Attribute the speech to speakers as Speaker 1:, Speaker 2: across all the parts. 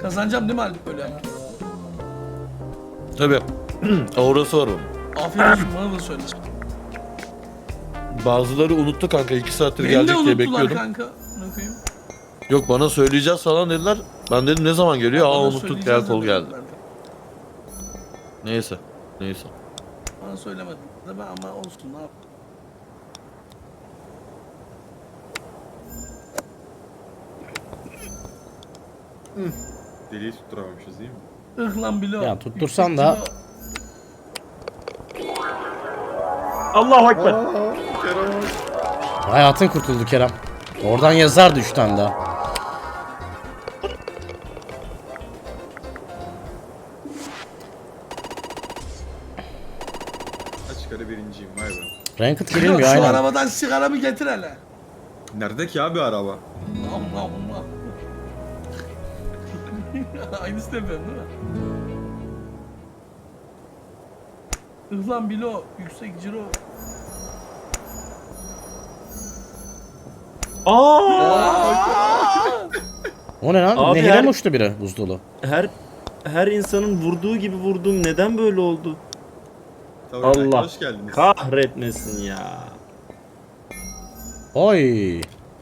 Speaker 1: Kazanacağım değil mi Alp böyle?
Speaker 2: Tabii. Orası var onun.
Speaker 1: Aferin olsun bana da söyle.
Speaker 2: Bazıları unuttu kanka, 2 saattir
Speaker 1: Beni de
Speaker 2: gelecek diye
Speaker 1: unuttular
Speaker 2: bekliyordum.
Speaker 1: kanka. Ne koyayım?
Speaker 2: Yok, bana söyleyeceğiz falan dediler. Ben dedim ne zaman geliyor?
Speaker 1: Bana
Speaker 2: Unuttuk,
Speaker 1: söyleyeceğiz
Speaker 2: gel kol
Speaker 1: dediler
Speaker 2: geldi.
Speaker 1: zaten.
Speaker 2: Neyse. Neyse.
Speaker 1: Bana söylemedin de ben ama olsun ne yap.
Speaker 3: Deliği tutturamamışız değil mi?
Speaker 1: Lan bilo.
Speaker 4: Ya tuttursan da-
Speaker 5: Allahu Ekber.
Speaker 3: Kerem.
Speaker 4: Hayatın kurtuldu Kerem. Oradan yazardı 3 tane daha.
Speaker 3: Açık ara birinciyim vay be.
Speaker 4: Ranked
Speaker 1: Şu
Speaker 4: girilmiyor aynen.
Speaker 1: arabadan sigaramı getir hele.
Speaker 3: Nerede ki abi araba?
Speaker 1: Allah. Aynısını yapıyorsun değil mi? Lan bilo. Yüksek ciro.
Speaker 4: O ne lan?
Speaker 5: Abi
Speaker 4: Nehire
Speaker 5: her-
Speaker 4: mi uçtu biri buz dolu?
Speaker 5: Her insanın vurduğu gibi vurdum. Neden böyle oldu?
Speaker 3: Tabii,
Speaker 5: Allah
Speaker 3: hoş geldiniz.
Speaker 5: kahretmesin ya.
Speaker 4: Oy.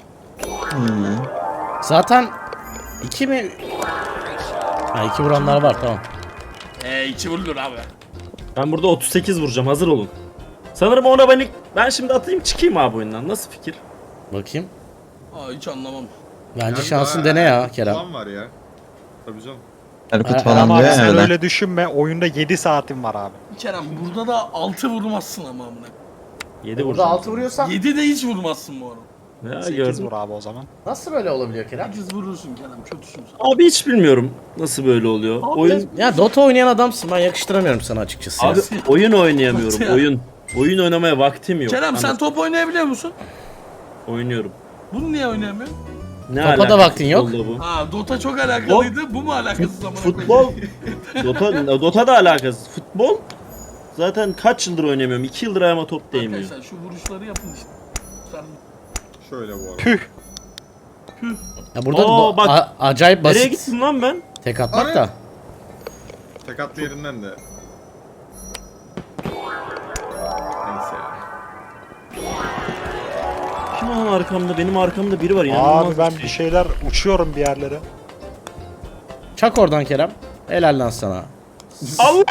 Speaker 4: Zaten 2 mi? Ha 2 vuranlar var tamam.
Speaker 1: İçi vurulur abi.
Speaker 5: Ben burada 38 vuracağım. Hazır olun. Sanırım ona ben şimdi atayım çıkayım abi oyundan. Nasıl fikir?
Speaker 4: Bakayım.
Speaker 1: Hiç anlamam.
Speaker 4: Bence
Speaker 3: Yani
Speaker 4: şansın
Speaker 3: daha-
Speaker 4: dene ya Kerem.
Speaker 3: Falan var ya. Tabii canım.
Speaker 6: Erkut
Speaker 4: Ha,
Speaker 6: falan
Speaker 7: Ama
Speaker 6: diyor
Speaker 7: abi
Speaker 6: ya
Speaker 7: sen
Speaker 6: öyle.
Speaker 7: öyle düşünme. Oyunda 7 saatim var abi.
Speaker 1: Kerem burada da 6 vurmazsın ama amına.
Speaker 5: 7 vuracağım.
Speaker 4: vuruyorsan
Speaker 1: 7 de hiç vurmazsın bu arada.
Speaker 5: Ya
Speaker 7: 8
Speaker 5: gördüm.
Speaker 7: vur abi o zaman.
Speaker 4: nasıl böyle olabiliyor Kerem?
Speaker 1: 8 vurursun Kerem kötüsün sen.
Speaker 5: Abi hiç bilmiyorum nasıl böyle oluyor. Oyun
Speaker 4: Ya Dota oynayan adamsın ben yakıştıramıyorum sana açıkçası. ya.
Speaker 5: abi oyun oynayamıyorum.
Speaker 1: Ya.
Speaker 5: Oyun oynamaya vaktim yok.
Speaker 1: Kerem sen
Speaker 5: Anladın?
Speaker 1: top oynayabiliyor musun?
Speaker 5: Oynuyorum.
Speaker 1: Bunu niye oynayamıyorsun?
Speaker 5: Ne
Speaker 4: Topa da
Speaker 5: alakası
Speaker 4: vaktin yok.
Speaker 5: futbolla bu?
Speaker 1: Ha Dota çok alakalıydı. Bu mu alakasız amına koyayım?
Speaker 5: Futbol Dota da alakasız. Futbol zaten kaç yıldır oynamıyorum. 2 yıldır ayağıma top değmiyor.
Speaker 1: Arkadaşlar şu vuruşları yapın işte. Sen
Speaker 3: Şöyle bu arada.
Speaker 4: Ya burada
Speaker 5: Aa, bak.
Speaker 4: acayip
Speaker 5: Nereye
Speaker 4: basit
Speaker 5: gittin lan ben?
Speaker 4: tek atmak
Speaker 3: Ara-
Speaker 4: da.
Speaker 3: Sakatlı yerinden de. Neyse ya.
Speaker 5: Kim lan arkamda? Benim arkamda biri var.
Speaker 7: Abi
Speaker 5: İnanılmaz
Speaker 7: ben
Speaker 5: bir
Speaker 7: bir
Speaker 5: şey.
Speaker 7: şeyler uçuyorum bir yerlere.
Speaker 4: Çak oradan Kerem. Helal lan sana.
Speaker 5: Allah!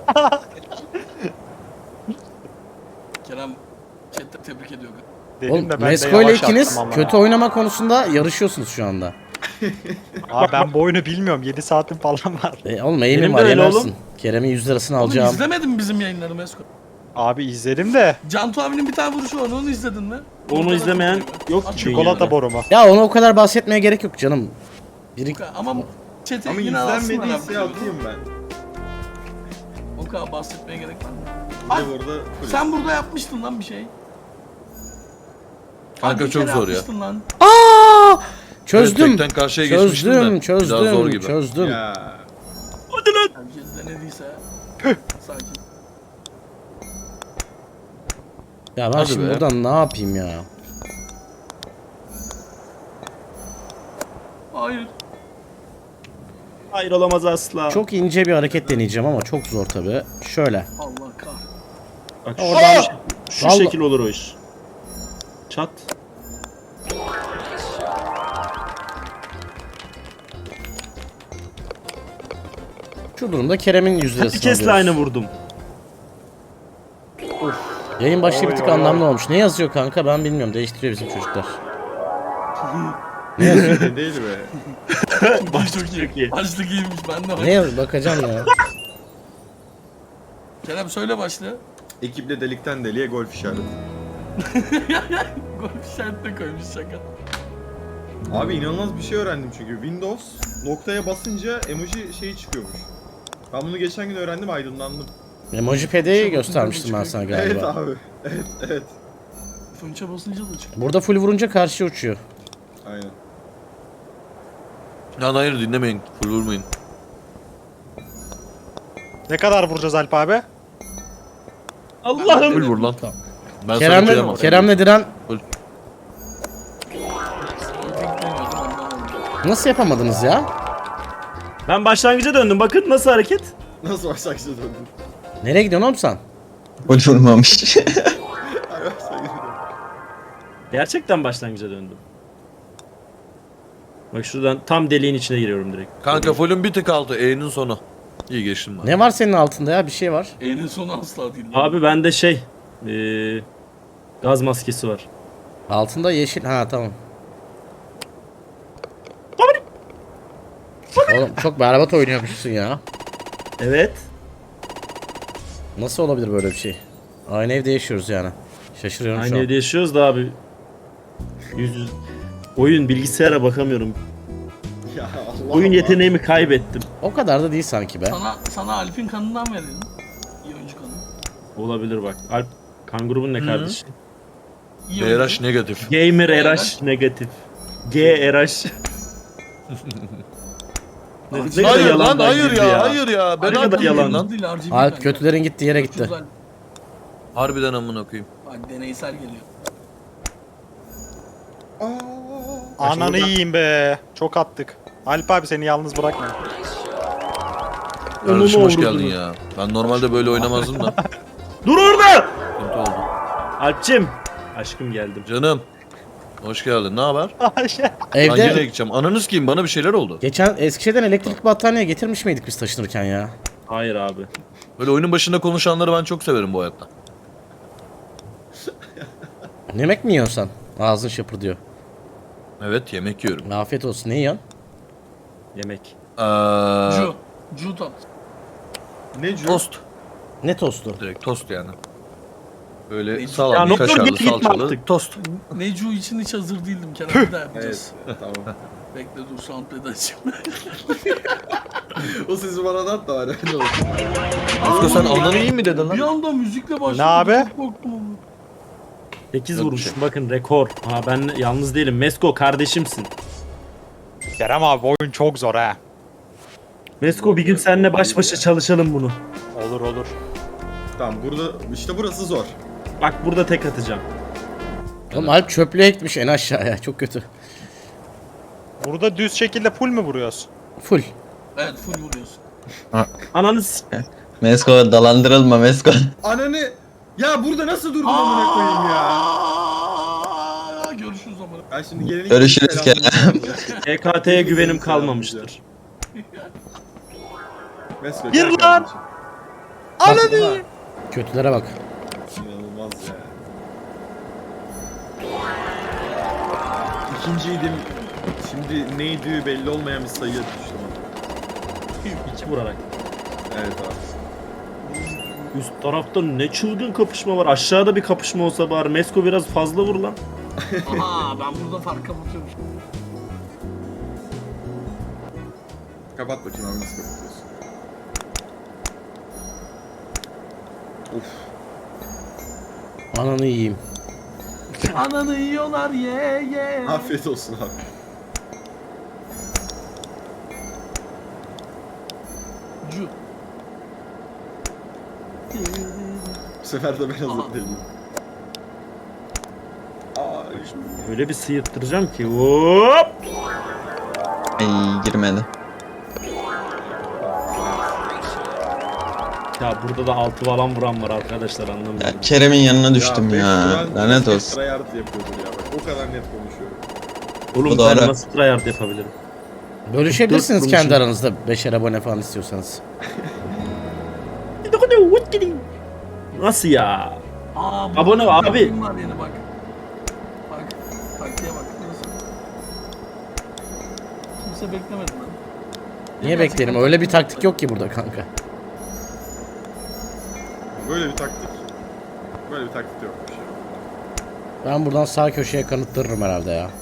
Speaker 1: Kerem chatte tebrik ediyor.
Speaker 7: Dedim
Speaker 4: Oğlum
Speaker 7: de ben de
Speaker 4: Mesko ile
Speaker 7: yavaş
Speaker 4: ikiniz
Speaker 7: attım ama.
Speaker 4: kötü oynama konusunda yarışıyorsunuz şu anda.
Speaker 7: Abi ben bu oyunu bilmiyorum. 7 saatim falan var.
Speaker 4: Oğlum eğimim
Speaker 5: Benim de
Speaker 4: var
Speaker 5: öyle
Speaker 4: yenersin.
Speaker 5: oğlum.
Speaker 4: Kerem'in 100 lirasını
Speaker 1: Oğlum
Speaker 4: alacağım.
Speaker 1: izlemedin mi bizim yayınları Mesko?
Speaker 7: Abi izledim de.
Speaker 1: Cantu abinin bir tane vuruşu var onu izledin mi?
Speaker 5: Onu izlemeyen yok ki
Speaker 7: Çikolata
Speaker 5: dünyada.
Speaker 7: borumu.
Speaker 4: Ya ona o kadar bahsetmeye gerek yok canım. Biri
Speaker 1: Ama chat'e
Speaker 3: Ama
Speaker 1: yine alsınlar
Speaker 3: izlenmediyse
Speaker 1: abi.
Speaker 3: atayım ben.
Speaker 1: O kadar bahsetmeye gerek var mı?
Speaker 3: Bir de burada full.
Speaker 1: Sen burada yapmıştın lan bir şey.
Speaker 2: Kanka
Speaker 1: Bir
Speaker 2: çok
Speaker 1: kere
Speaker 2: zor ya.
Speaker 1: yapmıştın Lan.
Speaker 4: Aa! Çözdüm.
Speaker 2: Evet, tekten karşıya geçmiştim de.
Speaker 4: Çözdüm,
Speaker 2: Bir daha zor gibi.
Speaker 4: çözdüm.
Speaker 3: Ya.
Speaker 1: Herkes denediyse. Sakin.
Speaker 4: Ya ben
Speaker 2: Hadi
Speaker 4: şimdi
Speaker 2: be.
Speaker 4: buradan ne yapayım ya?
Speaker 1: Hayır.
Speaker 5: Hayır olamaz asla.
Speaker 4: Çok ince bir hareket deneyeceğim ama çok zor tabi. Şöyle.
Speaker 1: Allah kahretsin.
Speaker 5: Bak
Speaker 4: Oradan-
Speaker 5: şu
Speaker 4: Vallahi-
Speaker 5: şekil olur o iş. Çat.
Speaker 4: Şu durumda Kerem'in 100
Speaker 5: Bir
Speaker 4: lirasını
Speaker 5: kez
Speaker 4: alıyoruz.
Speaker 5: aynı vurdum.
Speaker 4: Yayın başlığı bir
Speaker 7: Oy,
Speaker 4: tık
Speaker 7: oy,
Speaker 4: anlamlı
Speaker 7: oy.
Speaker 4: olmuş. Ne yazıyor kanka ben bilmiyorum. Değiştiriyor bizim çocuklar.
Speaker 3: Ne değil be.
Speaker 1: Çok iyi. Başlık iyiymiş ben de.
Speaker 4: Ne yaz bakacağım ya.
Speaker 1: Kerem söyle başlığı.
Speaker 3: Ekiple delikten deliğe golf işareti.
Speaker 1: Golf işaretine koymuş şaka.
Speaker 3: Abi inanılmaz bir şey öğrendim çünkü. Windows noktaya basınca emoji şeyi çıkıyormuş. Ben bunu geçen gün öğrendim, aydınlandım.
Speaker 4: Emojipede'yi göstermiştim ben sana galiba.
Speaker 3: Evet abi. Evet.
Speaker 1: Fınça basınca da çıkıyor.
Speaker 4: Burada full vurunca karşıya uçuyor.
Speaker 3: Aynen.
Speaker 2: Lan hayır, dinlemeyin. Full vurmayın.
Speaker 7: Ne kadar vuracağız Alp abi?
Speaker 5: Allah'ım.
Speaker 2: Full vur lan.
Speaker 4: Tamam.
Speaker 2: Ben sana kıyamam.
Speaker 4: Kerem'le Diren
Speaker 1: Beklemiyordum ondan oldu.
Speaker 4: nasıl yapamadınız ya?
Speaker 5: Ben başlangıca döndüm. Bakın nasıl hareket.
Speaker 3: Nasıl başlangıçta döndün?
Speaker 4: Nereye gidiyorsun oğlum sen?
Speaker 6: Gol vurmamış.
Speaker 3: Ay başlangıçta döndün.
Speaker 5: Gerçekten başlangıca döndüm. Bak şuradan tam deliğin içine giriyorum direkt.
Speaker 2: Kanka fullün bir tık altı. E'nin sonu. İyi geçtim ben.
Speaker 4: Ne var senin altında ya? Bir şey var.
Speaker 1: E'nin sonu asla değil.
Speaker 5: Abi bende gaz maskesi var.
Speaker 4: Altında yeşil. Ha tamam. Oğlum çok berbat oynuyormuşsun ya.
Speaker 5: Evet.
Speaker 4: Nasıl olabilir böyle bir şey? Aynı evde yaşıyoruz yani. Şaşırıyorum şu
Speaker 5: Aynı
Speaker 4: an.
Speaker 5: evde yaşıyoruz da abi. Oyun bilgisayara bakamıyorum.
Speaker 3: Ya Allah
Speaker 5: Oyun
Speaker 3: Allah.
Speaker 5: yeteneğimi kaybettim.
Speaker 4: O kadar da değil sanki be.
Speaker 1: Sana Alp'in kanından verelim. İyi oyuncu kanı.
Speaker 5: Olabilir bak. Alp kan grubun ne kardeş?
Speaker 1: İyi oyuncu.
Speaker 2: BRH negatif.
Speaker 5: Gamer
Speaker 1: RH
Speaker 5: RH negatif. GRH. Ne kadar
Speaker 2: Hayır lan
Speaker 5: yalandan
Speaker 2: hayır
Speaker 5: girdi
Speaker 2: ya, hayır ya. Ben
Speaker 5: Ne kadar
Speaker 2: abi
Speaker 5: yalan
Speaker 2: lan.
Speaker 1: Değil, RGB
Speaker 4: Alp
Speaker 1: kanka.
Speaker 4: kötülerin gittiği yere gitti.
Speaker 1: Ucuz Alp.
Speaker 2: Harbiden amına koyayım.
Speaker 1: Bak deneysel geliyor.
Speaker 7: Ananı yiyeyim be. Çok attık. Alp abi seni yalnız bırakma.
Speaker 2: Kardeşim hoş
Speaker 5: uğradınız.
Speaker 2: geldin ya. Ben normalde böyle oynamazdım da.
Speaker 5: Dur orada!
Speaker 2: Sıkıntı oldu.
Speaker 5: Alpçim. Aşkım geldim.
Speaker 2: Canım. Hoş geldin. Ne haber? Ben
Speaker 4: Evde
Speaker 2: nereye gideceğim? Ananız kim? Bana bir şeyler oldu.
Speaker 4: geçen Eskişehir'den elektrik battaniye getirmiş miydik biz taşınırken ya?
Speaker 5: Hayır abi.
Speaker 2: Böyle oyunun başında konuşanları ben çok severim bu hayatta.
Speaker 4: Yemek mi yiyorsun sen? Ağzın şapırdıyor.
Speaker 2: Evet yemek yiyorum.
Speaker 4: Afiyet olsun. Ne yiyorsun?
Speaker 5: Yemek.
Speaker 1: Ju tat.
Speaker 3: Ne cüret?
Speaker 2: Tost.
Speaker 4: Ne tostu?
Speaker 2: Direkt tost yani. Böyle
Speaker 1: Ya
Speaker 2: salamlı,
Speaker 5: ne olur
Speaker 2: kaşarlı,
Speaker 5: git gitme
Speaker 2: salçalı
Speaker 5: artık.
Speaker 2: tost.
Speaker 1: Necu için hiç hazır değildim. Kenan bir daha yapacağız.
Speaker 3: Evet tamam.
Speaker 1: Bekle dur soundpad'i açayım.
Speaker 3: O sesi bana da at da öyle olsun.
Speaker 2: Asko sen ananı iyi mi dedin
Speaker 1: Bir
Speaker 2: lan?
Speaker 1: anda müzikle başladı.
Speaker 7: Ne abi?
Speaker 1: Çok korktum ama.
Speaker 5: 8
Speaker 2: Yok bir
Speaker 5: vurmuşum
Speaker 2: şey.
Speaker 5: bakın rekor. Ha ben yalnız değilim. Mesko kardeşimsin.
Speaker 7: Kerem abi oyun çok zor ha.
Speaker 5: Mesko bir gün seninle baş başa çalışalım bunu.
Speaker 7: Olur olur.
Speaker 3: Tamam burada işte burası zor.
Speaker 5: Bak burada tek atacağım.
Speaker 4: Oğlum Alp çöplüğe gitmiş en aşağıya. Çok kötü.
Speaker 7: Burada düz şekilde full mü vuruyoruz?
Speaker 4: Full.
Speaker 1: Evet full vuruyorsun.
Speaker 5: Ananı
Speaker 6: Mesko dalandırılma Mesko.
Speaker 3: Ananı ya burada nasıl durdun amına koyayım ya?
Speaker 1: Aa, görüşürüz ama.
Speaker 3: Ben şimdi geleni
Speaker 6: Görüşürüz Kerem.
Speaker 5: EKT'ye güvenim kalmamıştır.
Speaker 3: Mesko,
Speaker 7: Gir
Speaker 3: gel
Speaker 7: lan!
Speaker 3: kardeşim.
Speaker 7: Ananı!
Speaker 4: Kötülere bak.
Speaker 3: İnanılmaz ya. İkinciydim. Şimdi neydi belli olmayan bir sayıya düştüm.
Speaker 5: 2 vurarak.
Speaker 3: Evet abi.
Speaker 5: Üst tarafta ne çılgın kapışma var. Aşağıda bir kapışma olsa bari. Mesko biraz fazla vur lan.
Speaker 1: Aha ben burada fark kapatıyorum.
Speaker 3: Kapat bakayım abi nasıl kapatıyorsun. Of.
Speaker 4: Ananı yiyeyim.
Speaker 1: Ananı yiyorlar ye ye.
Speaker 3: Afiyet olsun abi.
Speaker 1: Ju.
Speaker 3: Bu sefer de ben hazır
Speaker 1: Aha.
Speaker 3: değilim. Aa,
Speaker 5: Öyle bir sıyırttıracağım ki. Hop!
Speaker 6: Ay girmedi.
Speaker 5: Ya burada da 6 falan vuran var arkadaşlar anlamıyorum.
Speaker 6: Ya Kerem'in yanına düştüm ya.
Speaker 3: Beş
Speaker 6: Lanet
Speaker 3: Duran
Speaker 6: olsun.
Speaker 3: tryhard yapıyordur ya bak o kadar net konuşuyorum.
Speaker 5: Oğlum
Speaker 6: bu doğru.
Speaker 5: ben nasıl tryhard yapabilirim?
Speaker 4: Bölüşebilirsiniz
Speaker 5: Dört
Speaker 4: kendi
Speaker 5: kurmuşum.
Speaker 4: aranızda. 5'er abone falan istiyorsanız.
Speaker 5: Nasıl ya?
Speaker 1: Aa,
Speaker 5: Abone
Speaker 1: burada
Speaker 5: ol
Speaker 1: bir
Speaker 5: abi.
Speaker 1: taktiğim var yine bak. Bak. Taktiğe bak. Nasıl? Kimse beklemedi lan.
Speaker 4: Niye bekleyelim? Öyle bir taktik yok ki burada kanka.
Speaker 3: Böyle bir taktik. Böyle bir taktik yokmuş ya.
Speaker 4: Ben buradan sağ köşeye kanıttırırım herhalde ya.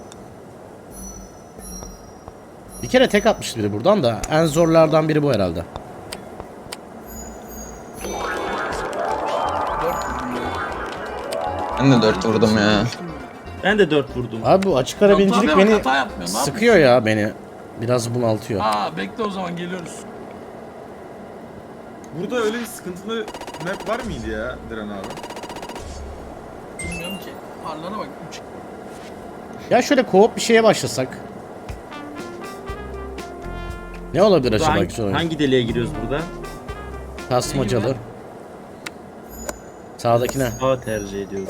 Speaker 4: Bir kere tek atmıştı biri buradan da. En zorlardan biri bu herhalde.
Speaker 6: Ben de 4 vurdum ya.
Speaker 5: Ben de 4 vurdum.
Speaker 4: Abi bu açık ara
Speaker 1: Tabii
Speaker 4: binicilik
Speaker 1: bak,
Speaker 4: beni
Speaker 1: hata yapmıyor, ne
Speaker 4: sıkıyor ya beni. Biraz bunaltıyor.
Speaker 1: Aa bekle o zaman geliyoruz.
Speaker 3: Burada öyle bir sıkıntılı map var mıydı ya Diren abi?
Speaker 1: Bilmiyorum ki. Parlara bak. 3.
Speaker 4: Ya şöyle co-op bir şeye başlasak. Ne olabilir acaba
Speaker 5: Hangi,
Speaker 4: güzel oyun?
Speaker 5: hangi deliğe giriyoruz burada?
Speaker 4: Kasmacalı. Sağdakine.
Speaker 5: Sağ tercih ediyorum.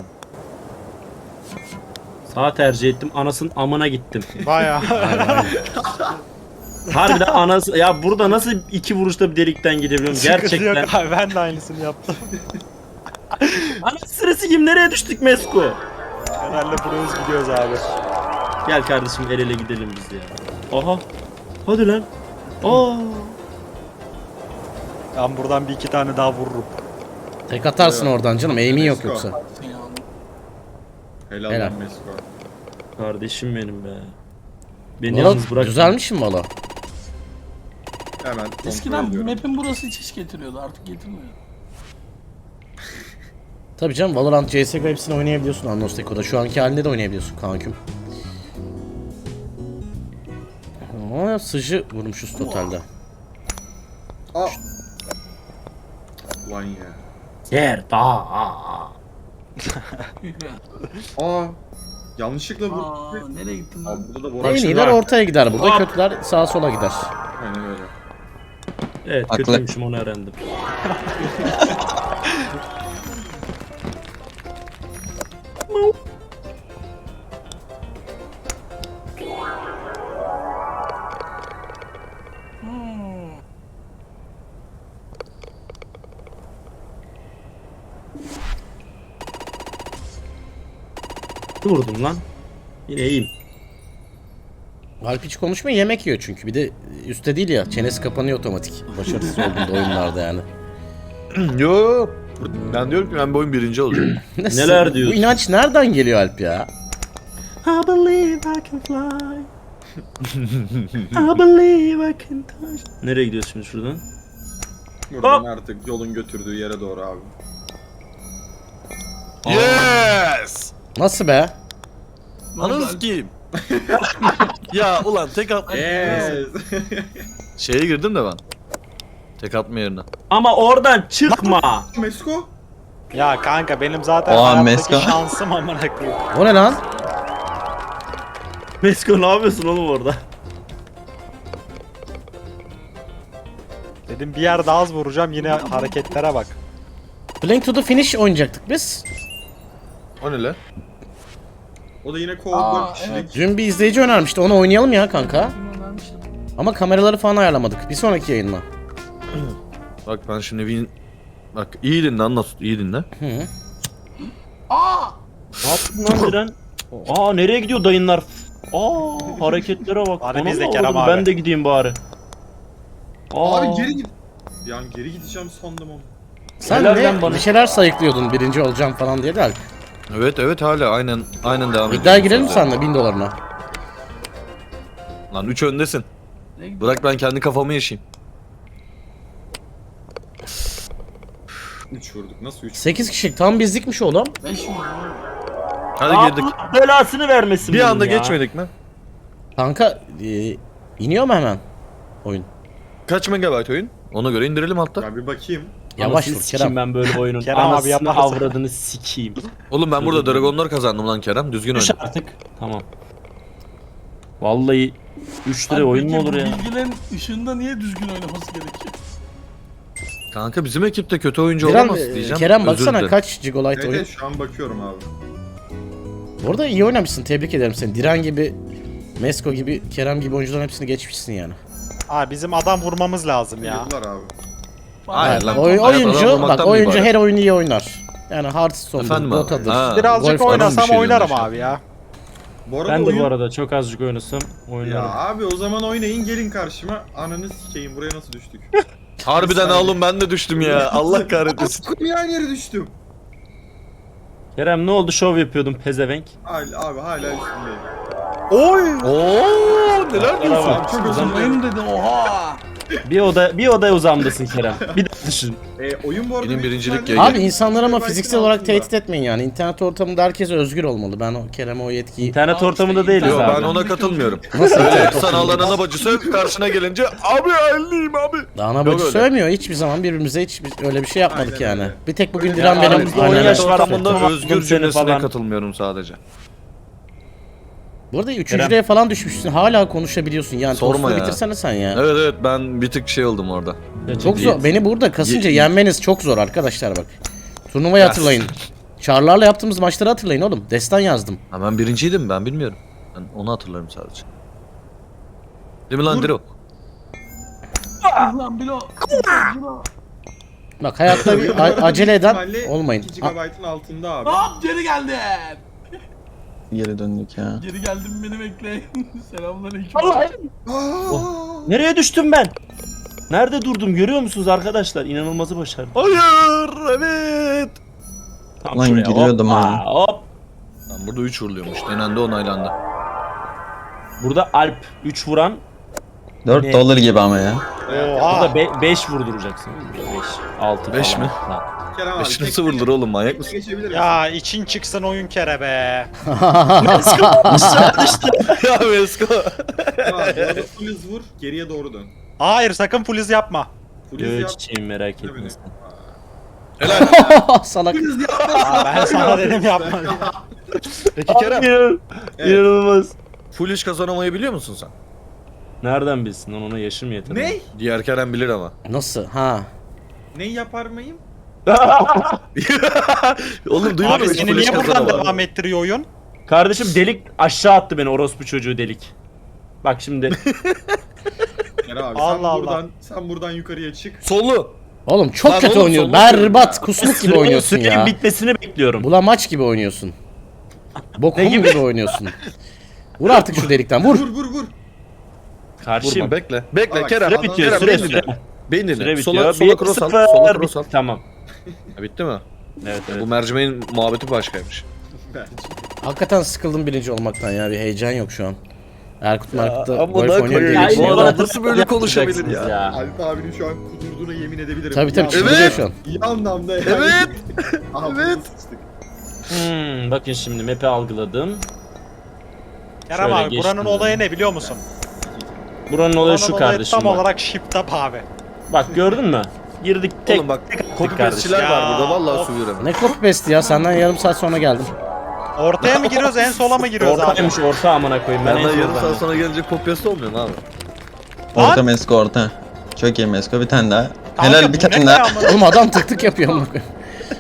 Speaker 5: Sağ tercih ettim. Anasının amına gittim.
Speaker 7: Bayağı.
Speaker 5: Harbiden anası... Ya burada nasıl 2 vuruşta bir delikten gidebiliyorum
Speaker 7: Sıkıntı
Speaker 5: gerçekten.
Speaker 7: yok abi, ben de aynısını yaptım.
Speaker 5: Anası sırası kim? Nereye düştük Mesko?
Speaker 7: Herhalde buraya gidiyoruz abi.
Speaker 5: Gel kardeşim el ele gidelim biz ya. Aha. Hadi lan. Aa.
Speaker 7: Ben buradan bir iki tane daha vururum.
Speaker 4: Tek atarsın oradan canım. Aim'in yok yoksa.
Speaker 3: Helal
Speaker 4: Helal.
Speaker 3: lan Mesko.
Speaker 5: Kardeşim benim be. Beni
Speaker 4: Valla
Speaker 5: yalnız bırak.
Speaker 4: güzelmiş mi valla?
Speaker 3: Hemen kontrol
Speaker 1: Eskiden
Speaker 3: ediyorum.
Speaker 1: map'in burası hiç getiriyordu, artık getirmiyor.
Speaker 4: Tabii canım, Valorant, CSGO hepsini oynayabiliyorsun Annos Teko'da. Şu anki halinde de oynayabiliyorsun kanküm. Ama sıcı vurmuşuz totalde.
Speaker 3: Aa. Lan ya.
Speaker 5: Yer daha.
Speaker 3: Aa. Yanlışlıkla
Speaker 1: Aa,
Speaker 3: vurdum.
Speaker 1: nereye gittin
Speaker 3: Abi
Speaker 1: lan?
Speaker 3: burada da
Speaker 4: En
Speaker 3: Borak
Speaker 4: iyiler
Speaker 3: var.
Speaker 4: ortaya gider burada,
Speaker 5: Hop.
Speaker 4: kötüler sağa sola gider.
Speaker 3: Aynen öyle.
Speaker 5: Evet
Speaker 6: Haklı.
Speaker 5: kötüymüşüm onu öğrendim. Vurdum lan. Yine iyiyim.
Speaker 4: Alp hiç konuşmuyor, yemek yiyor çünkü. Bir de üstte değil ya, çenesi kapanıyor otomatik. Başarısız olduğunda oyunlarda yani.
Speaker 2: Yo. Ben diyorum ki ben bu oyun birinci olacağım.
Speaker 4: Nasıl?
Speaker 5: Neler diyorsun?
Speaker 4: Bu inanç nereden geliyor Alp ya?
Speaker 5: I believe I can fly. I believe I can touch. Nereye gidiyoruz şimdi şuradan?
Speaker 3: Buradan
Speaker 5: Hop.
Speaker 3: artık yolun götürdüğü yere doğru abi.
Speaker 2: Yes!
Speaker 4: Nasıl be?
Speaker 2: Ananı sikeyim. Ya ulan tek at...
Speaker 3: Yes.
Speaker 2: Şeye girdim de ben. Tek atma yerine.
Speaker 5: Ama oradan çıkma.
Speaker 3: Mesko.
Speaker 7: Ya kanka benim zaten
Speaker 6: Aa,
Speaker 7: hayattaki
Speaker 6: Meska.
Speaker 7: şansım amına koyayım.
Speaker 4: O ne lan?
Speaker 5: Mesko ne yapıyorsun oğlum orada?
Speaker 7: Dedim bir yer daha az vuracağım, yine hareketlere bak.
Speaker 4: Playing to the finish oynayacaktık biz.
Speaker 2: O ne lan?
Speaker 3: O da yine
Speaker 1: Aa,
Speaker 3: co-op 4 kişilik.
Speaker 1: evet.
Speaker 4: Dün bir izleyici önermişti, onu oynayalım ya kanka.
Speaker 1: Kim önermişti?
Speaker 4: Ama kameraları falan ayarlamadık. Bir sonraki yayın mı?
Speaker 2: Bak ben şimdi win... Bak iyi dinle anlat. İyi dinle.
Speaker 4: Hı.
Speaker 1: Aa!
Speaker 5: Ne yaptın lan Diren? Aa nereye gidiyor dayınlar? Aa hareketlere bak.
Speaker 7: Hadi
Speaker 5: Anam
Speaker 7: biz de
Speaker 5: avradım,
Speaker 7: Kerem abi.
Speaker 5: Ben de gideyim bari. Aa.
Speaker 3: Abi geri git. Yani geri gideceğim sandım onu.
Speaker 4: Sen
Speaker 5: Helal
Speaker 4: ne
Speaker 5: lan bana.
Speaker 4: bir şeyler sayıklıyordun birinci olacağım falan diye de Alp.
Speaker 2: Evet hala aynen devam ediyor.
Speaker 4: İddiaya girelim senle 1000 dolarına.
Speaker 2: Lan 3 öndesin.
Speaker 1: Nereye gittin?
Speaker 2: Bırak ben kendi kafamı yaşayayım.
Speaker 3: 3 vurduk. Nasıl 3?
Speaker 4: 8 kişilik tam bizlikmiş oğlum.
Speaker 1: 5 mi?
Speaker 2: Hadi girdik.
Speaker 5: Allah belasını vermesin
Speaker 2: Bir
Speaker 5: bunun
Speaker 2: anda
Speaker 5: ya.
Speaker 2: geçmedik mi?
Speaker 4: Kanka iniyor mu hemen oyun?
Speaker 2: Kaç megabayt oyun? Ona göre indirelim hatta.
Speaker 3: Ya bir bakayım.
Speaker 4: Yavaş
Speaker 5: Anasını
Speaker 4: vur
Speaker 5: sikeyim
Speaker 4: Kerem.
Speaker 5: ben böyle oyunun.
Speaker 7: Kerem abi
Speaker 5: Anasını
Speaker 7: yaparsa.
Speaker 5: avradını sikeyim.
Speaker 2: Oğlum ben burada dragonlar kazandım lan Kerem. Düzgün
Speaker 5: Düş
Speaker 2: oyna.
Speaker 5: artık. Tamam. Vallahi 3 lira
Speaker 1: Abi
Speaker 5: oyun mu
Speaker 1: peki
Speaker 5: olur
Speaker 1: bu
Speaker 5: ya?
Speaker 1: Bilgilerin ışığında niye düzgün oynaması gerekiyor?
Speaker 2: Kanka bizim ekipte kötü oyuncu
Speaker 4: Kerem,
Speaker 2: olamaz diyeceğim.
Speaker 4: Kerem
Speaker 2: Özür
Speaker 4: baksana
Speaker 2: dilerim.
Speaker 4: kaç Gigolite
Speaker 3: Evet,
Speaker 4: oyun.
Speaker 3: evet şu an bakıyorum abi.
Speaker 4: Bu arada iyi oynamışsın, tebrik ederim seni. Diren gibi, Mesko gibi, Kerem gibi oyuncuların hepsini geçmişsin yani.
Speaker 7: Abi bizim adam vurmamız lazım ya.
Speaker 3: Yıllar abi.
Speaker 2: Hayır lan.
Speaker 4: Oyuncu
Speaker 2: Hayat adam
Speaker 4: bak,
Speaker 2: olmaktan mı
Speaker 4: oyuncu
Speaker 2: ibaret?
Speaker 4: her oyunu iyi oynar. Yani Hearthstone'dur,
Speaker 2: Efendim abi?
Speaker 4: Dota'dır.
Speaker 2: Ha.
Speaker 7: Birazcık
Speaker 4: Golf-
Speaker 7: oynasam
Speaker 2: bir şey
Speaker 7: oynarım
Speaker 2: diyorsun.
Speaker 7: abi ya.
Speaker 3: Bu arada
Speaker 5: Ben de
Speaker 3: oyun...
Speaker 5: bu arada çok azıcık oynasam oynarım.
Speaker 3: Ya abi o zaman oynayın gelin karşıma. Ananı sikeyim buraya nasıl düştük?
Speaker 2: Harbiden oğlum ben de düştüm ya. Allah kahretmesin.
Speaker 3: Koyayım aynı yere düştüm.
Speaker 5: Kerem ne oldu şov yapıyordun pezevenk?
Speaker 3: Abi hala üstündeyim.
Speaker 2: Oy! Oo neler diyorsun?
Speaker 5: Bak,
Speaker 3: Çok özür
Speaker 1: Oyun
Speaker 3: dilerim.
Speaker 1: dedi oha!
Speaker 5: bir oda uzamdasın Kerem. Bir daha düşün.
Speaker 3: Oyun bu arada...
Speaker 2: Benim
Speaker 3: büyük
Speaker 2: birincilik
Speaker 3: ihtimalle-
Speaker 2: yayın.
Speaker 4: Abi insanları ama
Speaker 3: Belki
Speaker 4: fiziksel olarak
Speaker 3: altında.
Speaker 4: tehdit etmeyin yani. İnternet ortamında herkes özgür olmalı. Ben o Kerem'e o yetkiyi...
Speaker 5: İnternet
Speaker 1: Abi
Speaker 5: ortamında
Speaker 1: işte
Speaker 5: değiliz
Speaker 2: Yo
Speaker 1: internet-
Speaker 5: abi.
Speaker 2: ben ona katılmıyorum.
Speaker 4: Nasıl
Speaker 2: Öyle
Speaker 4: internet
Speaker 2: sanallarına bacısı karşına gelince abi elliyim abi.
Speaker 4: Ana
Speaker 2: Yok
Speaker 4: bacı
Speaker 2: öyle.
Speaker 4: sövmüyor. Hiçbir zaman birbirimize hiç öyle bir şey yapmadık
Speaker 3: Aynen
Speaker 4: yani.
Speaker 3: öyle.
Speaker 4: Bir tek bugün
Speaker 3: Ya
Speaker 4: Diren benim
Speaker 5: aramızda on
Speaker 4: anneme
Speaker 5: yaş
Speaker 2: İnternet
Speaker 5: var
Speaker 2: ortamında
Speaker 5: affettim.
Speaker 2: özgür
Speaker 5: Seni
Speaker 2: cümlesine
Speaker 5: falan.
Speaker 2: katılmıyorum sadece.
Speaker 4: Bu arada 3. falan düşmüşsün. Hala konuşabiliyorsun yani.
Speaker 2: Sorma
Speaker 4: Sorma
Speaker 2: ya.
Speaker 4: bitirsene sen ya.
Speaker 2: Evet evet ben bir tık şey oldum orada.
Speaker 4: Çok zor. Beni burada kasınca
Speaker 2: Ye-
Speaker 4: yenmeniz çok zor arkadaşlar bak. Turnuvayı hatırlayın. Çarlarla yaptığımız maçları hatırlayın oğlum. Destan yazdım.
Speaker 2: Ha, ben birinciydim ben bilmiyorum. Ben onu hatırlarım sadece. Değil mi lan Diro?
Speaker 1: Lan Bilo.
Speaker 4: Bak hayatta bir acele eden
Speaker 3: İhtimalle
Speaker 4: olmayın.
Speaker 3: 2 GB'ın altında abi.
Speaker 1: Hop geri geldim.
Speaker 6: Geri döndük ya.
Speaker 1: Geri geldim beni bekleyin. Selamünaleyküm.
Speaker 5: Nereye düştüm ben? Nerede durdum görüyor musunuz arkadaşlar? İnanılmazı başardım.
Speaker 2: Hayır evet.
Speaker 5: Tam
Speaker 6: Lan
Speaker 5: şuraya,
Speaker 6: giriyordum
Speaker 5: hoppa,
Speaker 6: ha.
Speaker 5: Hop.
Speaker 2: Lan burada 3 vuruluyormuş denendi onaylandı.
Speaker 5: Burada Alp 3 vuran.
Speaker 6: 4
Speaker 5: Ne?
Speaker 6: dolar gibi ama ya.
Speaker 7: Oha.
Speaker 5: Burada 5 vurduracaksın. 5, 6
Speaker 2: Beş
Speaker 5: falan.
Speaker 2: mi?
Speaker 5: Lan.
Speaker 3: Kerem abi.
Speaker 2: 5 nasıl vurulur oğlum manyak mısın?
Speaker 3: Geçebilir misin?
Speaker 7: Ya için çıksın oyun kere be.
Speaker 2: Ya Vesko.
Speaker 3: Abi orada full hız vur, geriye doğru dön.
Speaker 7: Hayır sakın full yapma.
Speaker 3: Full hız yap.
Speaker 5: Çiçeğim merak etme
Speaker 3: Tabii.
Speaker 5: sen.
Speaker 4: Salak.
Speaker 7: Aa, ben sana dedim yapma.
Speaker 2: Peki Kerem
Speaker 5: İnan-
Speaker 3: Evet.
Speaker 5: İnanılmaz.
Speaker 2: full iş kazanamayı biliyor musun sen?
Speaker 5: Nereden bilsin lan ona yaşım yeter.
Speaker 3: Ne?
Speaker 2: Diğer Kerem bilir ama.
Speaker 4: Nasıl? Ha.
Speaker 3: Ne yapar mıyım?
Speaker 2: Oğlum duymadın
Speaker 7: Abi
Speaker 2: mı?
Speaker 7: seni
Speaker 2: Full iş
Speaker 7: niye buradan
Speaker 2: kazanamadım.
Speaker 7: devam ettiriyor oyun?
Speaker 5: Kardeşim delik aşağı attı beni orospu çocuğu delik. Bak şimdi
Speaker 3: Kerem abi
Speaker 7: Allah
Speaker 3: sen buradan yukarıya çık.
Speaker 2: Solu.
Speaker 4: Oğlum çok
Speaker 2: Lan
Speaker 4: kötü
Speaker 2: oğlum,
Speaker 4: oynuyorsun.
Speaker 2: soluk diyorum
Speaker 4: Berbat,
Speaker 2: ya.
Speaker 4: kusmuk gibi oynuyorsun
Speaker 5: sürenin
Speaker 4: ya.
Speaker 5: bitmesini bekliyorum.
Speaker 4: Bula maç gibi oynuyorsun. Bokum
Speaker 5: Ne gibi?
Speaker 4: gibi oynuyorsun. Vur artık şu delikten vur.
Speaker 3: Vur.
Speaker 5: Karşıyım.
Speaker 2: Vurma bekle. Bekle
Speaker 3: Bak,
Speaker 2: Kerem.
Speaker 3: süre
Speaker 5: bitiyor,
Speaker 2: Kerem,
Speaker 5: süre,
Speaker 2: beni
Speaker 5: süre.
Speaker 2: dinle. Beni dinle.
Speaker 5: Süre
Speaker 2: Sola,
Speaker 5: bitiyor.
Speaker 2: sola cross al. Sola cross al.
Speaker 5: Tamam.
Speaker 2: Ha, bitti mi?
Speaker 5: Evet evet.
Speaker 2: Bu mercimeğin muhabbeti başkaymış.
Speaker 3: Bence.
Speaker 4: Hakikaten sıkıldım birinci olmaktan ya. Bir heyecan yok şu an. Erkut'ta
Speaker 2: Ama
Speaker 4: golf
Speaker 2: da
Speaker 4: oynuyor diye
Speaker 2: koyayım.
Speaker 4: geçiyor.
Speaker 2: Bu
Speaker 5: adam
Speaker 2: adam nasıl böyle konuşabilir ya?
Speaker 3: Alp abinin şu an kudurduğuna yemin edebilirim.
Speaker 4: Tabii tabii
Speaker 3: İyi
Speaker 4: çıldırıyor
Speaker 2: Evet.
Speaker 4: şu an.
Speaker 3: İyi anlamda yani.
Speaker 2: Evet.
Speaker 3: Aha,
Speaker 2: Evet.
Speaker 3: sıçtık.
Speaker 5: Bakın şimdi map'i algıladım.
Speaker 7: Kerem
Speaker 5: Şöyle
Speaker 7: abi
Speaker 5: geçtim
Speaker 7: buranın
Speaker 5: ben.
Speaker 7: olayı ne biliyor musun?
Speaker 5: Buranın olayı
Speaker 7: Buranın
Speaker 5: şu
Speaker 7: olayı
Speaker 5: kardeşim.
Speaker 7: tam
Speaker 5: Bak.
Speaker 7: olarak shift up abi.
Speaker 5: Bak gördün mü? Girdik tek.
Speaker 2: Oğlum bak
Speaker 5: kardeşim.
Speaker 2: copypastçiler var
Speaker 7: Ya,
Speaker 2: burada vallahi
Speaker 7: of.
Speaker 2: su veremem.
Speaker 4: Ne copy paste ya, senden yarım saat sonra geldim.
Speaker 7: Ortaya mı giriyoruz en sola mı giriyoruz abi?
Speaker 5: Ortaymış orta amına koyayım ben en
Speaker 2: Benden yarım saat
Speaker 5: soldan.
Speaker 2: sonra gelince kopyası olmuyor mu abi?
Speaker 6: Orta Mesko orta. Çok iyi Mesko bir tane daha.
Speaker 7: Kanka,
Speaker 6: Helal bir
Speaker 7: bu ne
Speaker 6: tane
Speaker 7: ya
Speaker 6: daha.
Speaker 7: amına-
Speaker 4: Oğlum adam tık tık yapıyor amına koyayım.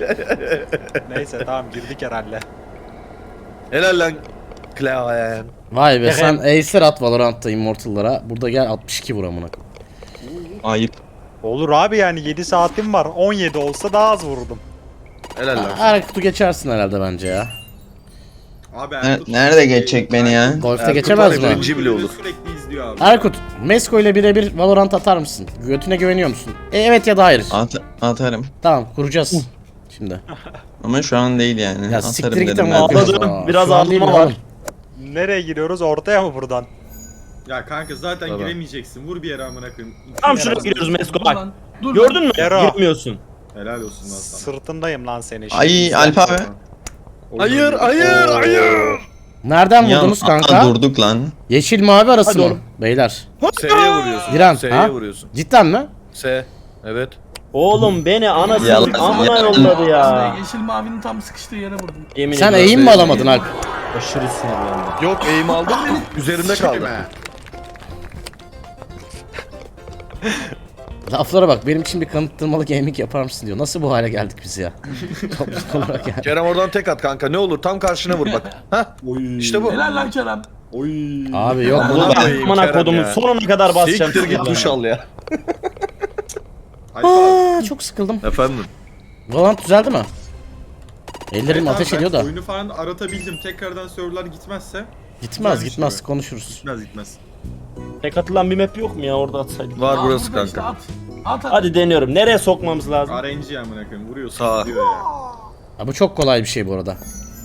Speaker 7: Neyse tamam girdik herhalde.
Speaker 2: Helal lan. Klaven.
Speaker 4: Vay be
Speaker 5: Evet.
Speaker 4: sen acer at Valorant'ta Immortal'lara. Burada gel 62 vur amına koyayım.
Speaker 6: Ayıp.
Speaker 7: Olur abi yani 7 saatim var. 17 olsa daha az vururdum.
Speaker 2: Helal lan.
Speaker 4: Erkut'u geçersin herhalde bence ya.
Speaker 3: Abi
Speaker 6: Nerede geçecek beni ya?
Speaker 4: Golf'te
Speaker 2: Erkut
Speaker 4: geçemez
Speaker 2: var ya,
Speaker 4: mi?
Speaker 2: birinci bile olur.
Speaker 3: Sürekli izliyor abi.
Speaker 4: Erkut, Mesko ile birebir Valorant atar mısın? Götüne güveniyor musun? Evet ya da hayır.
Speaker 6: Atarım.
Speaker 4: Tamam kuracağız. Şimdi.
Speaker 6: Ama şu an değil yani.
Speaker 4: Ya
Speaker 6: Atarım
Speaker 4: siktir git
Speaker 6: dedim
Speaker 4: ama.
Speaker 6: ben.
Speaker 5: Ağladım, biraz
Speaker 4: Şu an değil
Speaker 5: ağlama
Speaker 4: mi
Speaker 5: var.
Speaker 4: oğlum?
Speaker 7: Nereye giriyoruz? Ortaya mı buradan?
Speaker 3: Ya kanka zaten
Speaker 2: Tamam.
Speaker 3: giremeyeceksin. Vur bir yere amına koyayım.
Speaker 5: Tam şuraya giriyoruz Mesko
Speaker 1: Dur
Speaker 5: bak.
Speaker 1: lan. Dur
Speaker 5: Gördün mü?
Speaker 7: Yero.
Speaker 5: Girmiyorsun.
Speaker 3: Helal olsun lan sana.
Speaker 7: Sırtındayım lan seni.
Speaker 6: Ay Alp abi.
Speaker 2: Hayır hayır hayır.
Speaker 4: Nereden
Speaker 6: Ya,
Speaker 4: vurdunuz
Speaker 6: aa,
Speaker 4: kanka?
Speaker 6: durduk lan.
Speaker 4: Yeşil mavi arası
Speaker 5: Hadi
Speaker 4: mı?
Speaker 5: oğlum.
Speaker 4: Beyler.
Speaker 2: S'ye vuruyorsun.
Speaker 4: Diren,
Speaker 2: S'ye
Speaker 4: ha?
Speaker 2: vuruyorsun.
Speaker 4: Cidden mi?
Speaker 2: S. Evet.
Speaker 5: Oğlum beni anasını
Speaker 6: Yalan,
Speaker 5: amına
Speaker 6: yalan.
Speaker 5: yolladı ya.
Speaker 1: Yeşil mavinin tam sıkıştığı yere vurdum.
Speaker 5: Yemin
Speaker 4: Sen
Speaker 5: ediyorum.
Speaker 4: eğim mi alamadın Alp?
Speaker 5: Aşırı sinirlendim.
Speaker 2: Yok eğim aldım. Üzerimde kaldı.
Speaker 4: Laflara bak, benim için bir kanıttırmalı gaming yapar mısın diyor. Nasıl bu hale geldik biz ya? Topluluk olarak yani.
Speaker 2: Kerem oradan tek at kanka ne olur tam karşına vur bak. Hah işte bu.
Speaker 1: Helal lan Kerem.
Speaker 4: Abi yok
Speaker 2: Amına
Speaker 4: bunu.
Speaker 2: koyayım
Speaker 5: Amına
Speaker 2: Kerem
Speaker 5: kodumun
Speaker 2: ya.
Speaker 5: sonuna kadar basacağım.
Speaker 2: Siktir git
Speaker 5: sizi
Speaker 2: duş
Speaker 5: ben.
Speaker 2: al ya.
Speaker 3: Alp abi.
Speaker 4: Çok sıkıldım.
Speaker 2: Efendim.
Speaker 4: Valorant düzeldi mi? Ellerim
Speaker 3: Evet abi,
Speaker 4: ateş
Speaker 3: ben
Speaker 4: ediyor da.
Speaker 3: Oyunu falan aratabildim. Tekrardan serverlar gitmezse
Speaker 4: Gitmez
Speaker 3: güzel bir
Speaker 4: gitmez
Speaker 3: şey
Speaker 4: konuşuruz.
Speaker 3: gitmez.
Speaker 5: Tek atılan bir map yok mu ya orada atsaydık.
Speaker 2: Var
Speaker 1: Aa,
Speaker 2: burası
Speaker 1: burada işte,
Speaker 2: kanka.
Speaker 1: At at.
Speaker 5: Hadi deniyorum. Nereye sokmamız lazım?
Speaker 3: RNG amına koyayım. Vuruyorsun
Speaker 2: Sağa.
Speaker 3: gidiyor ya.
Speaker 4: Ha, bu çok kolay bir şey bu arada.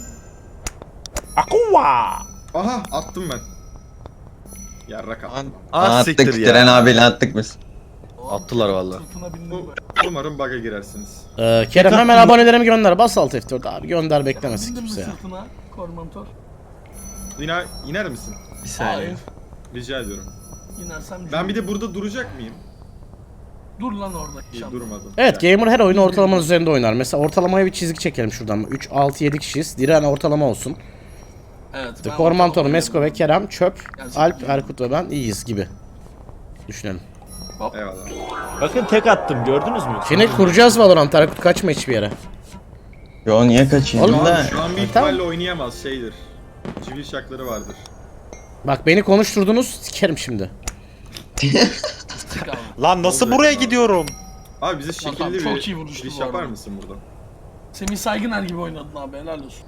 Speaker 5: Akuva.
Speaker 3: Aha attım ben. Yarrak attım.
Speaker 2: Ah siktir
Speaker 6: Attık
Speaker 2: ya.
Speaker 6: Diren abiyle attık biz.
Speaker 2: Attılar valla.
Speaker 1: Sırtına bindim.
Speaker 3: Umarım bug'a girersiniz.
Speaker 4: Kerem hemen abonelerimi gönder. Bas alt F4 abi gönder beklemesin
Speaker 1: Bindim mi
Speaker 4: kimse ya.
Speaker 1: sırtına? Kormantor.
Speaker 3: İner misin?
Speaker 5: Bir saniye.
Speaker 1: Hayır.
Speaker 3: Rica ediyorum.
Speaker 1: İnersem
Speaker 3: Ben bir de burada duracak mıyım?
Speaker 1: dur lan orada.
Speaker 3: İyi durmadım.
Speaker 4: Evet
Speaker 3: Gel.
Speaker 4: gamer her oyunu ortalamanın üzerinde oynar. Mesela ortalamaya bir çizgi çekelim şuradan. 3, 6, 7 kişiyiz. Diren ortalama olsun.
Speaker 1: Evet. ben
Speaker 4: Korman
Speaker 1: ortalama
Speaker 4: Tonu, Mesko ve Kerem çöp.
Speaker 1: Gerçekten.
Speaker 4: Alp, Erkut ve ben iyiyiz gibi. Düşünelim.
Speaker 3: Eyvallah.
Speaker 5: Bakın tek attım gördünüz mü?
Speaker 4: Şimdi kuracağız Valorant. Erkut kaçma hiçbir yere.
Speaker 6: Yo niye kaçayım
Speaker 4: Oğlum,
Speaker 6: da?
Speaker 3: Şu an büyük
Speaker 4: Tamam.
Speaker 3: ihtimalle oynayamaz şeydir. Civil şakları vardır.
Speaker 4: Bak beni konuşturdunuz, sikerim şimdi.
Speaker 1: Sık abi.
Speaker 7: Lan nasıl
Speaker 3: Olacak
Speaker 7: buraya
Speaker 3: abi.
Speaker 7: gidiyorum?
Speaker 3: Abi bize
Speaker 1: Tamam,
Speaker 3: şekilli
Speaker 1: çok
Speaker 3: bir
Speaker 1: iyi vuruştu
Speaker 3: giriş
Speaker 1: bu
Speaker 3: yapar
Speaker 1: arada.
Speaker 3: mısın burada?
Speaker 1: Semih Saygıner gibi oynadın abi, helal olsun.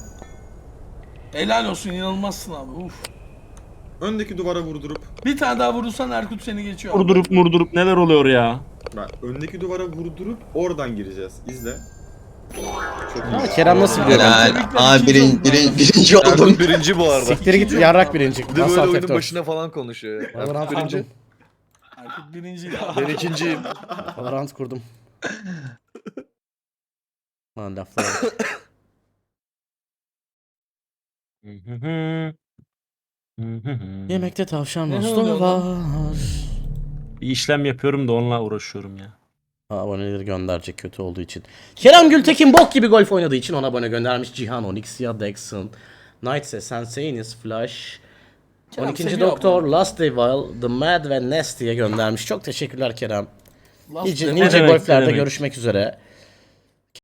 Speaker 1: Helal olsun, inanılmazsın abi. Uf.
Speaker 3: Öndeki duvara vurdurup,
Speaker 1: Bir tane daha vurursan Erkut seni geçiyor abi.
Speaker 5: Vurdurup neler oluyor ya?
Speaker 3: bak öndeki duvara vurdurup oradan gireceğiz. İzle. Çok
Speaker 4: Ha,
Speaker 3: iyi.
Speaker 4: Kerem nasıl biliyor?
Speaker 6: Helal.
Speaker 1: Tebrikler,
Speaker 6: Aa
Speaker 1: ikinci oldun
Speaker 6: birinci oldum.
Speaker 2: Erkut birinci bu arada.
Speaker 4: Siktir git yarrak birinci.
Speaker 2: Bir de
Speaker 4: Nasıl
Speaker 2: böyle
Speaker 4: alt
Speaker 2: oyunun
Speaker 4: F4?
Speaker 2: başına falan konuşuyor. ya.
Speaker 4: Valorant
Speaker 2: Erkut birinci.
Speaker 4: kurdum.
Speaker 1: Erkut birinciydi abi.
Speaker 2: Ben ikinciyim.
Speaker 4: Valorant kurdum. Lan laflara bak. Yemekte tavşan
Speaker 1: Ne
Speaker 4: musluğu
Speaker 1: oluyor
Speaker 4: var.
Speaker 5: Bir işlem yapıyorum da onunla uğraşıyorum ya.
Speaker 4: Aboneleri gönderecek kötü olduğu için. Kerem Gültekin bok gibi golf oynadığı için ona abone göndermiş. Cihan, Onyx, ya Dexon, Knightse, Sensenis, Flash,
Speaker 1: Kerem
Speaker 4: 12.
Speaker 1: seviyor
Speaker 4: Doktor,
Speaker 1: abone.
Speaker 4: Last Evil, The Mad ve Nasty'ye göndermiş. Çok teşekkürler Kerem.
Speaker 1: Last
Speaker 4: Nice,
Speaker 1: Devil.
Speaker 5: Ne
Speaker 4: nice
Speaker 5: demek, ne
Speaker 4: golflerde
Speaker 5: demek.
Speaker 4: görüşmek üzere.